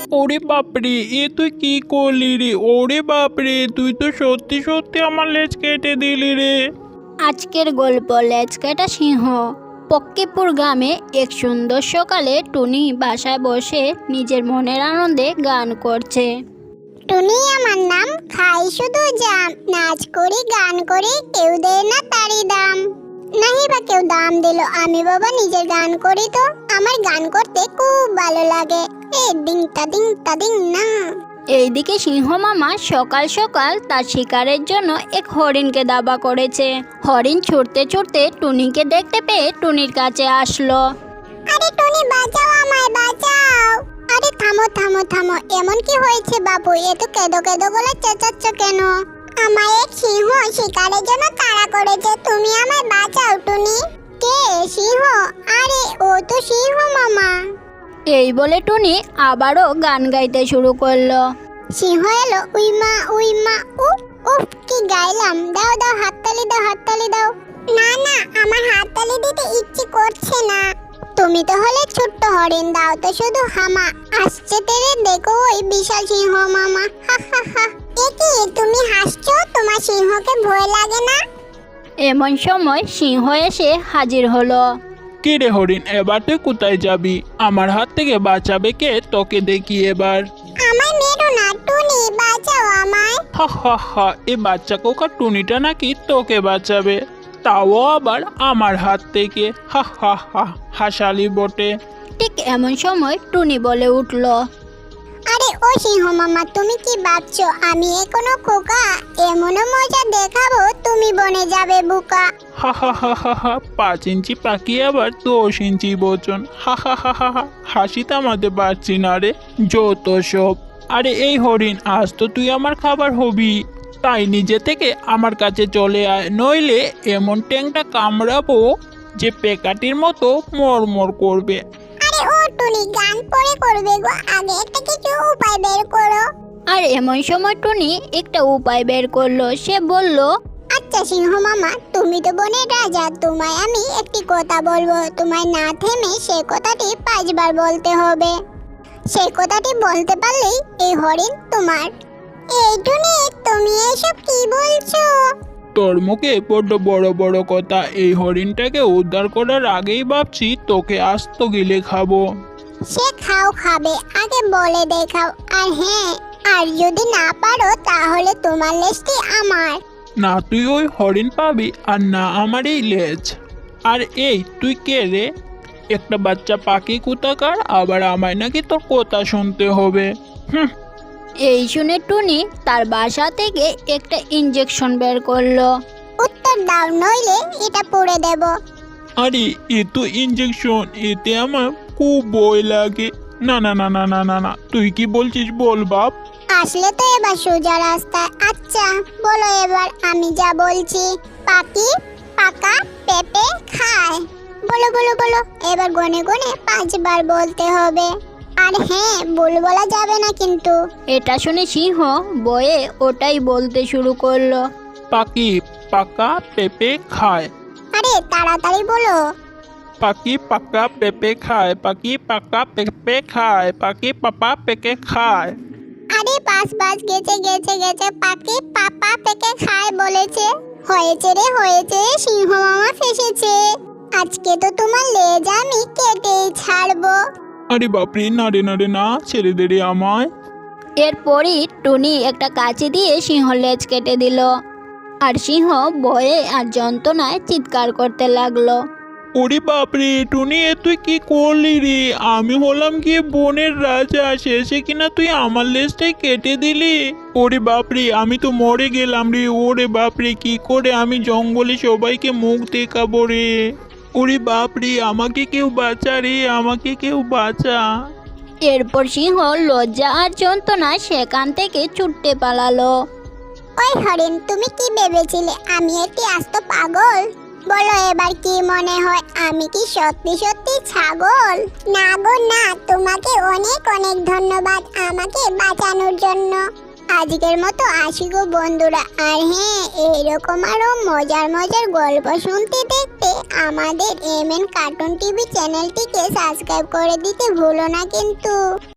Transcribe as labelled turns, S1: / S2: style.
S1: ওরে বাপরে, এ তুই কি করলি রে? ওরে বাপরে, তুই তো সত্যি সত্যি আমার লেজ কেটে দিলি রে।
S2: আজকের গল্প লেজকাটা সিংহ। পক্কিপুর গ্রামে এক সুন্দর সকালে টুনি বাসায় বসে নিজের মনের আনন্দে গান করছে।
S3: টুনি আমার নাম, খাই শুধু জাম, নাচ করি গান করি, কেউ দেয় না তারই দাম। নাহি বা কেউ দাম দিল, আমি বাবা নিজের গান করি তো। আমার গান করতে খুব ভালো লাগে, এ দিং তা দিং না।
S2: এইদিকে সিংহ মামা সকাল সকাল তার শিকারের জন্য এক হরিণকে দাবা করেছে। হরিণ ছুটতে ছুটতে টুনিকে দেখতে পেয়ে টুনির কাছে আসলো।
S3: আরে টুনি বাঁচাও, আমায় বাঁচাও। আরে থামো থামো থামো, এমন কি হয়েছে বাবু? এত কেঁদো কেঁদো গলা চেঁচাচ্ছ কেন? আমায় এক সিংহ শিকারের জন্য তাড়া করেছে, তুমি আমায় বাঁচাও টুনি। কে সিংহ? আরে ও তো সিংহ মামা।
S2: এই বলে টুনি আবারও গান গাইতে শুরু করলো।
S3: সিংহ এলো, উই মা উফ উফ, কি গাইলাম! দাও দাও হাততালি দাও, হাততালি দাও। না না, আমার হাততালি দিতে ইচ্ছে করছে না। তুমি তো হলে ছোট্ট হরিণ, দাও তো শুধু হামা। আসছে তেরে দেখো ওই বিশাল সিংহ মামা, হা হা হা। এ কি তুমি হাসছো? তোমার সিংহকে ভয় লাগে না?
S2: এমন সময় সিংহ এসে হাজির হলো।
S1: কে রে হরিণ, এবার তুই কোথায় যাবি? আমার হাত থেকে বাঁচাবে কে? তোকে দেখি এবার।
S3: আমায় মেরো না টুনি, বাঁচাও আমায়।
S1: হা হা হা, এ বাচ্চা কোকা টুনিটা নাকি তোকে বাঁচাবে, তাও আবার আমার হাত থেকে। হা হা হা, হাসালি বটে।
S2: ঠিক এমন সময় টুনি বলে উঠল,
S3: আরে ও সিংহ মামা, তুমি কি ভাবছো আমি এখনো খোকা? এমনও মজা দেখাবো তুমি বনে যাবে বোকা।
S1: হা হা হা হা হা, 5 ইঞ্চি পাখি আবার 10 ইঞ্চি বচন। হা হা হা হা হা, হাসি থামাতে পারছি না রে, যত সব। আরে এই হরিণ, আজ তো তুই আমার খাবার হবি, তাই নিজে থেকে আমার কাছে চলে আয়, নইলে এমন ট্যাংটা কামড়াবো যে পেকাটির মতো মরমর করবে।
S3: আরে ও টুনি, গান পরে করবে গো, আগে একটা কিছু উপায় বের করো।
S2: আর এমন সময় টুনি একটা উপায় বের করলো। সে বলল,
S3: আচ্ছা সিংহ মামা, তুমি তো বনের রাজা, তোমায় আমি একটি কথা বলবো, তোমায় না থেমে সেই কথাটি 5 বার বলতে হবে। সেই কথাটি বলতে পারলেই এই হরিণ তোমার। এই টুনি, তুমি এসব কি বলছো?
S1: তোর মুখে বড্ড বড় বড় কথা, এই হরিণটাকে উদ্ধার করার আগেই ভাবছি তোকে আস্ত গিলে খাবো।
S3: সে খাও, খাবে, আগে বলে দেখাও। আর হ্যাঁ, আর যদি না পারো তাহলে তোমার লেজটি আমার।
S1: না তুই ওই হরিণ পাবি, আর না আমার এই লেজ। আর এই তুই কে রে? একটা বাচ্চা পাখি কোথাকার, আবার আমায় নাকি তোর কথা শুনতে হবে। হুম।
S2: এই শুনে টুনি তার বাসা থেকে একটা ইঞ্জেকশন বের করলো।
S3: উত্তর দাও, নইলে এটা পুড়ে দেব।
S1: আরে এ তো ইঞ্জেকশন, এতে আমার খুব ভয় লাগে। না না না না না না না, তুই কি বলছিস বল বাপ।
S3: আসলে তো এবার সোজা রাস্তায়। আচ্ছা বলো এবার আমি যা বলছি। পাখি পাকা পেঁপে খায়। বলো বলো বলো, এবার গনে গনে 5 বার বলতে হবে। আর হ্যাঁ, ভুল বলা যাবে না কিন্তু।
S2: এটা শুনে সিংহ বয়ে ওটাই বলতে শুরু করলো।
S1: পাখি পাকা পেঁপে খায়।
S3: আরে তাড়াতাড়ি বলো।
S1: পাখি পাকা পেঁপে খায়, পাখি পাকা পেঁপে খায়, পাখি পাপা পেকে খায়।
S3: আরে 5 বাজ গেছে গেছে গেছে, পাখি পাপা পেকে খায় বলেছে। হয়েছে রে হয়েছে, সিংহ মামা ফেসেছে। আজকে তো তোমার লেজ আমি কেটেই ছাড়বো।
S1: আরে বাপরে, না রে না রে না, ছেড়ে দে রে আমায়।
S2: এরপরই টুনি একটা কাঁচি দিয়ে সিংহ লেজ কেটে দিল। আর সিংহ ভয়ে আর যন্ত্রণায় চিৎকার করতে লাগলো।
S1: ওরে বাপরে টুনি, এ তুই কি করলি রে? আমি হলাম গিয়ে বনের রাজা, শেষে কিনা তুই আমার লেজটাই কেটে দিলি। ওরে বাপরে, আমি তো মরে গেলাম রে। ওরে বাপরে, কি করে আমি জঙ্গলে সবাইকে মুখ দেখাবো রে? ওরে বাপরে, আমাকে কেউ বাঁচা রে, আমাকে কেউ বাঁচা।
S2: এরপর সিংহ লজ্জা আর যন্ত্রণায় সেখান থেকে ছুটতে পালালো।
S3: ওই হরিণ, তুমি কি ভেবেছিলে আমি একটি আস্ত পাগল? বলো এবার কি মনে হয়, আমি কি সত্যি সত্যি ছাগল? না গো না, তোমাকে অনেক অনেক ধন্যবাদ আমাকে বাঁচানোর জন্য। আজকের মতো আসি গো বন্ধুরা। আর হ্যাঁ, এইরকম আরো মজার মজার গল্প শুনতে দেখতে আমাদের MN কার্টুন টিভি চ্যানেলটিকে সাবস্ক্রাইব করে দিতে ভুলো না কিন্তু।